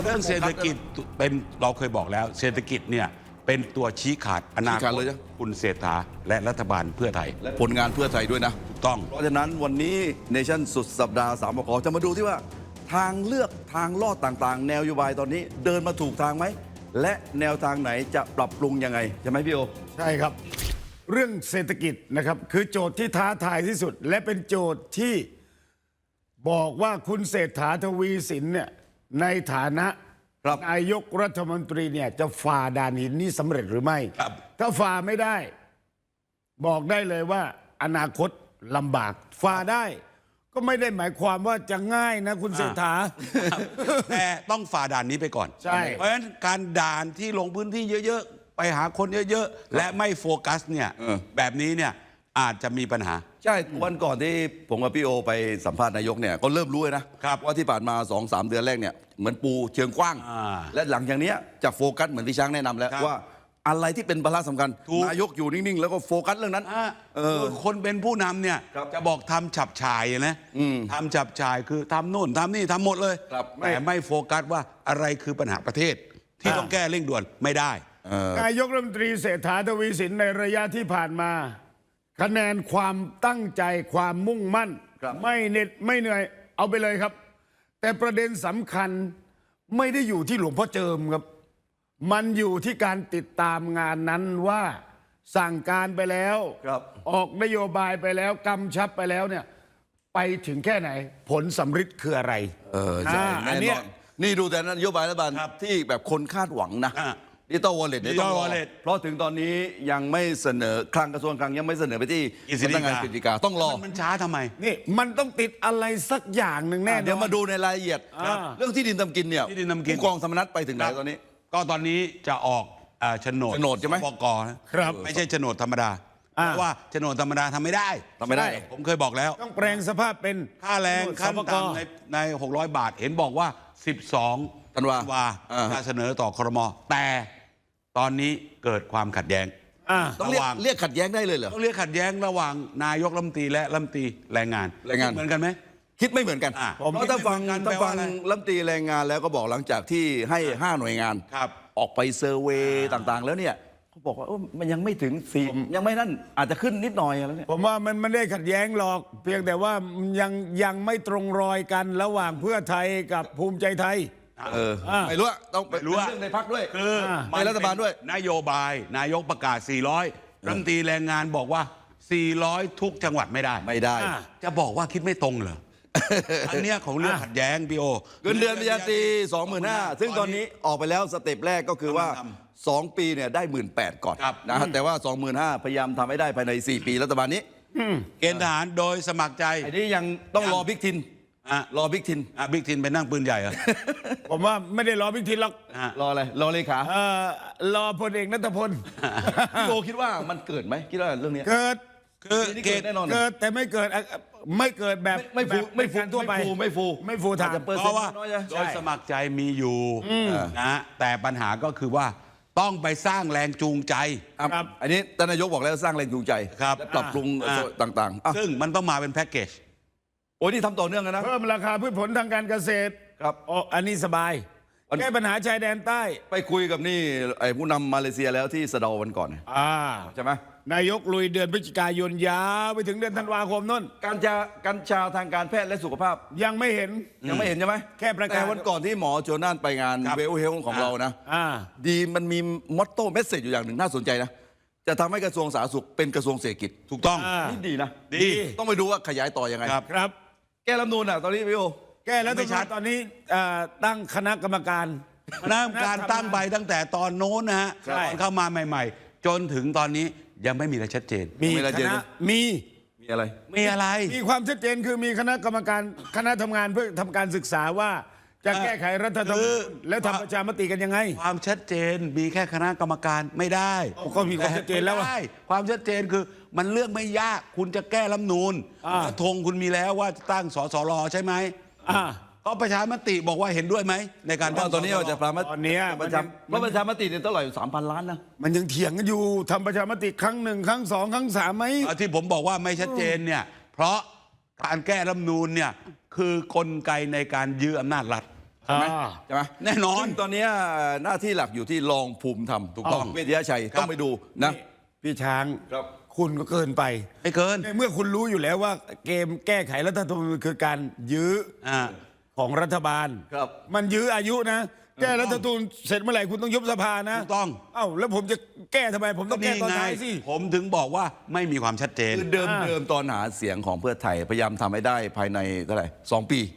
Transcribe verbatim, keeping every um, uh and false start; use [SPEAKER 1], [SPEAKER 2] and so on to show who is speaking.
[SPEAKER 1] เรื่องเศรษฐกิจเป็นเราเคยบอกแล้วเศรษฐกิจเนี่ยเป็นตัวชี้ขาดอนาคตคุณเศรษฐาและรัฐบาลเพื่อไทย
[SPEAKER 2] และผลงานเพื่อไทยด้วยนะ
[SPEAKER 1] ถูกต้อง
[SPEAKER 2] เพราะฉะนั้นวันนี้เนชั่นสุดสัปดาห์สามปกจะมาดูที่ว่าทางเลือกทางลอดต่างๆ แนวนโยบายตอนนี้เดินมาถูกทางไหมและแนวทางไหนจะปรับปรุงยังไงใช่ไหมพี่โอ
[SPEAKER 3] ใช่ครับเรื่องเศรษฐกิจนะครับคือโจทย์ที่ท้าทายที่สุด และเป็นโจทย์ที่บอกว่าคุณเศรษฐาทวีสินเนี่ยในฐานะนายกรัฐมนตรีเนี่ยจะฝ่าด่านหินนี้สำเร็จหรือไม่ถ้าฝ่าไม่ได้บอกได้เลยว่าอนาคตลำบากฝ่าได้ก็ไม่ได้หมายความว่าจะง่ายนะคุณเศรษฐา
[SPEAKER 1] แต่ต้องฝ่าด่านนี้ไปก่อน
[SPEAKER 3] ใช่
[SPEAKER 1] เพราะฉะนั้นการด่านที่ลงพื้นที่เยอะๆไปหาคนเยอะๆและไม่โฟกัสเนี่ยแบบนี้เนี่ยอาจจะมีปัญหา
[SPEAKER 2] ใช่วันก่อนที่ผมกับพี่โอไปสัมภาษณ์นายกเนี่ยก็เริ่มรู้เลยนะว่าที่ผ่านมา สองสาม เดือนแรกเนี่ยเหมือนปูเชิงกว้างและหลังจากนี้จะโฟกัสเหมือนที่ช้างแนะนำแล้วว่าอะไรที่เป็นภาระสำคัญนายกอยู่นิ่งๆแล้วก็โฟกัสเรื่องนั้น
[SPEAKER 1] คนเป็นผู้นำเนี่ยจะบอกทำฉับฉายนะทำฉับฉายคือทำโน่นทำนี่ทำหมดเลยแต่ไม่โฟกัสว่าอะไรคือปัญหาประเทศที่ต้องแก้เร่งด่วนไม่ได้
[SPEAKER 3] นายกรัฐมนตรีเศรษฐาทวีสินในระยะที่ผ่านมาคะแนนความตั้งใจความมุ่งมั่นไม่เหน็ดไม่เหนื่อยเอาไปเลยครับ แต่ประเด็นสำคัญไม่ได้อยู่ที่หลวงพ่อเจิมครับมันอยู่ที่การติดตามงานนั้นว่าสั่งการไปแล้วออกนโยบายไปแล้วกำชับไปแล้วเนี่ยไปถึงแค่ไหนผลสำฤทธิ์คืออะไร
[SPEAKER 2] เออใช่อันนี้นี่ดูแต่นโยบายรัฐบาลที่แบบคนคาดหวังนะดิจิตอลวอลเล็ตเนี่ยต้องรอเพราะถึงตอนนี้ยังไม่เสนอคลังกระทรวงคลังยังไม่เสนอไปที่สำนักงานกฤษฎีกาต้องรอ
[SPEAKER 1] มันช้าทำไม
[SPEAKER 3] นี่มันต้องติดอะไรสักอย่างหนึ่งแน่
[SPEAKER 2] เดี๋ยวมาดูในรายละเอียดเรื่องที่ดินทำกินเนี่ยผู้กองธรรมนัสไปถึงไหนตอนนี้
[SPEAKER 1] ก็ตอนนี้จะออกโฉนด
[SPEAKER 2] โฉนดใช่ไหม
[SPEAKER 1] ปกครับไม่ใช่โฉนดธรรมดาเพราะว่าโฉนดธรรมดาทำไม่ได้
[SPEAKER 2] ทำไม่ได้
[SPEAKER 1] ผมเคยบอกแล้ว
[SPEAKER 3] ต้องแปลงสภาพเป็น
[SPEAKER 1] ค่าแรงขั้นต่ำในในหกร้อยบาทเห็นบอกว่าสิบสอง
[SPEAKER 2] ธันวา
[SPEAKER 1] จะเสนอต่อครม.แต่ตอนนี้เกิดความขัดแย้ง
[SPEAKER 2] ต้องเรียกเรียกขัดแย้งได้เลยเหรอ
[SPEAKER 1] ต้องเรียกขัดแย้งระหว่างนายกรัฐมนตรีและรัฐมนตรีแรงงาน
[SPEAKER 2] แรงงาน
[SPEAKER 1] เหมือนกันไหม
[SPEAKER 2] คิดไม่เหมือนกันเพราะถ้าฟังถ้าฟังรัฐมนตรีแรงงานแล้วก็บอกหลังจากที่ให้ห้าหน่วยงานออกไปเซอร์เวย์ต่างๆแล้วเนี่ยเขาบอกว่ามันยังไม่ถึงสี่ยังไม่นั่นอาจจะขึ้นนิดหน่อยแล้วเนี่ย
[SPEAKER 3] ผมว่ามันไม่ได้ขัดแย้งหรอกเพียงแต่ว่ายังยังไม่ตรงรอยกันระหว่างเพื่อไทยกับภูมิใจไทย
[SPEAKER 2] เออไม่รู้ต้องไปรู้เรื่องในพรรคด้วย
[SPEAKER 1] คือ
[SPEAKER 2] ในรัฐบาลด้วย
[SPEAKER 1] นโยบายนายกประกาศสี่ร้อยรัฐมนตรีแรงงานบอกว่าสี่ร้อยทุกจังหวัดไม่ได้
[SPEAKER 2] ไม่ได้
[SPEAKER 1] จะบอกว่าคิดไม่ตรงเหรออันเนี้ยของเรื่องขัดแย้งพี่โอ
[SPEAKER 2] เงินเดือนปริญญาตรีสองหมื่นห้าซึ่งตอนนี้ออกไปแล้วสเต็ปแรกก็คือว่าสองปีเนี่ยได้หมื่นแปดก่อนนะแต่ว่าสองหมื่นห้าพยายามทำให้ได้ภายในสี่ปีรัฐบาลนี้
[SPEAKER 1] เกณฑ์ทหารโดยสมัครใจ
[SPEAKER 2] อันนี้ยังต้องรอบิ๊กทินรอบิ๊กทิน
[SPEAKER 1] บิ๊กทินไปนั่งปืนใหญ่เหรอ
[SPEAKER 3] ผมว่าไม่ได้รอบิ๊กทินหรอก
[SPEAKER 2] รออะไรรอเลข
[SPEAKER 3] ารอพลเอกนัทพล
[SPEAKER 2] พี่โอคิดว่ามันเกิดไหมคิดว่าเรื่องนี้
[SPEAKER 3] เกิด
[SPEAKER 1] คือ
[SPEAKER 3] เกิดแน่นอนเกิดแต่ไม่เกิดไม่เกิดแบบ
[SPEAKER 2] ไม่ฟูไม่ฟู
[SPEAKER 3] ทั่วไป
[SPEAKER 2] ไม่ฟู
[SPEAKER 3] ไม่ฟูทาง
[SPEAKER 1] เพราะว่าโดยสมัครใจมีอยู่นะแต่ปัญหาก็คือว่าต้องไปสร้างแรงจูงใจ
[SPEAKER 2] ครับอันนี้ท่านนายกบอกแล้วสร้างแรงจูงใจและปรับปรุงต่าง
[SPEAKER 1] ๆซึ่งมันต้องมาเป็นแพ็กเกจ
[SPEAKER 2] โอ้ยนี่ทำต่อเนื่องกันนะ
[SPEAKER 3] เพิ่มราคาพืชผลทางการเกษตร
[SPEAKER 2] ครับ
[SPEAKER 3] อ๋ออันนี้สบายแก้ปัญหาชายแดนใต้
[SPEAKER 2] ไปคุยกับนี่ไอ้ผู้นำมาเลเซียแล้วที่สะเดาวันก่อน
[SPEAKER 3] อ่า
[SPEAKER 2] ใช่ไหม
[SPEAKER 3] นายกลุยเดือนพฤศจิกายนยาวไปถึงเดือนธันวาคมนั่น
[SPEAKER 2] การชากัญชาทางการแพทย์และสุขภาพ
[SPEAKER 3] ยังไม่เห็น
[SPEAKER 2] ยังไม่เห็นใช่ไหม
[SPEAKER 3] แค่ประกาศ
[SPEAKER 2] แต่วันก่อนที่หมอโจนานไปงานเวลเฮลของเรานะดีมันมีมอตโต้เมสเซจอยู่อย่างหนึ่งน่าสนใจนะจะทำให้กระทรวงสาธารณสุขเป็นกระทรวงเศรษฐกิจ
[SPEAKER 1] ถูกต้อง
[SPEAKER 2] นี่ดีนะ
[SPEAKER 1] ดี
[SPEAKER 2] ต้องไปดูว่าขยายต่อยังไง
[SPEAKER 3] ครับ
[SPEAKER 2] แก้รัฐธรรมนูญอ่ะตอนนี้พี่โอ
[SPEAKER 3] แก้แล้วตอนนี้ตั้งคณะกรรมการ
[SPEAKER 1] คณะกรรมการตั้งไปตั้งแต่ตอนโน้นนะฮะตอนเข้ามาใหม่ๆจนถึงตอนนี้ยังไม่มีอะไรชัดเจน
[SPEAKER 3] มีคณะมี
[SPEAKER 2] มีอะไร
[SPEAKER 1] มีอะไร
[SPEAKER 3] มีความชัดเจนคือมีคณะกรรมการคณะทำงานเพื่อทำการศึกษาว่าจะแก้ไขรัฐธรรมนูญและทำประชามติกันยังไง
[SPEAKER 1] ความชัดเจนมีแค่คณะกรรมการไม่ได้
[SPEAKER 3] ก็มีความชัดเจนแล้ว
[SPEAKER 1] ได้ความชัดเจนคือมันเรื่องไม่ยากคุณจะแก้รัฐธรรมนูญธงคุณมีแล้วว่าจะตั้งสสรใช่ไหมก็ประชามติบอกว่าเห็นด้วยไหมในการ
[SPEAKER 2] ตอนนี้เราจะประชามติ
[SPEAKER 3] ตอนนี้
[SPEAKER 2] ประชาประชามติเนี่ยเท่าไหร่สามพันล้านนะ
[SPEAKER 3] มันยังเถียงกันอยู่ทำประชามติครั้งหนึ่งครั้งสองครั้งสามไหม
[SPEAKER 1] ที่ผมบอกว่าไม่ชัดเจนเนี่ยเพราะการแก้รัฐธรรมนูญเนี่ยคือกลไกในการยื้ออำนาจรัฐ
[SPEAKER 2] ใช่ไหม
[SPEAKER 3] อ่า
[SPEAKER 2] ใช่ไหม
[SPEAKER 1] แน่นอน
[SPEAKER 2] ซึ่งตอนเนี้ยหน้าที่หลักอยู่ที่รองภูมิธรรม
[SPEAKER 1] ถูกต้อง
[SPEAKER 2] เวชยชัยต้องไปดูนะ
[SPEAKER 3] พี่ช้าง
[SPEAKER 2] ครับ
[SPEAKER 3] คุณก็เกินไป
[SPEAKER 1] ไม่เกิน
[SPEAKER 3] ในเมื่อคุณรู้อยู่แล้วว่าเกมแก้ไขรัฐธรรมนูญคือการยื้อ
[SPEAKER 1] อ่า
[SPEAKER 3] ของรัฐบาล
[SPEAKER 2] ครับ
[SPEAKER 3] มันยื้ออายุนะ แก้รัฐธรรมนูญเสร็จเมื่อไหร่คุณต้องยุบสภานะ
[SPEAKER 1] ถูกต้อง
[SPEAKER 3] เอ้าแล้วผมจะแก้ทำไม ผมต้องแก้ตอน
[SPEAKER 1] ไง
[SPEAKER 3] ท้ายสิ
[SPEAKER 1] ผมถึงบอกว่าไม่มีความชัดเจน
[SPEAKER 2] คือเดิมเดิมตอนหาเสียงของเพื่อไทยพยายามทำให้ได้ภายในเท่าไหร่สองปี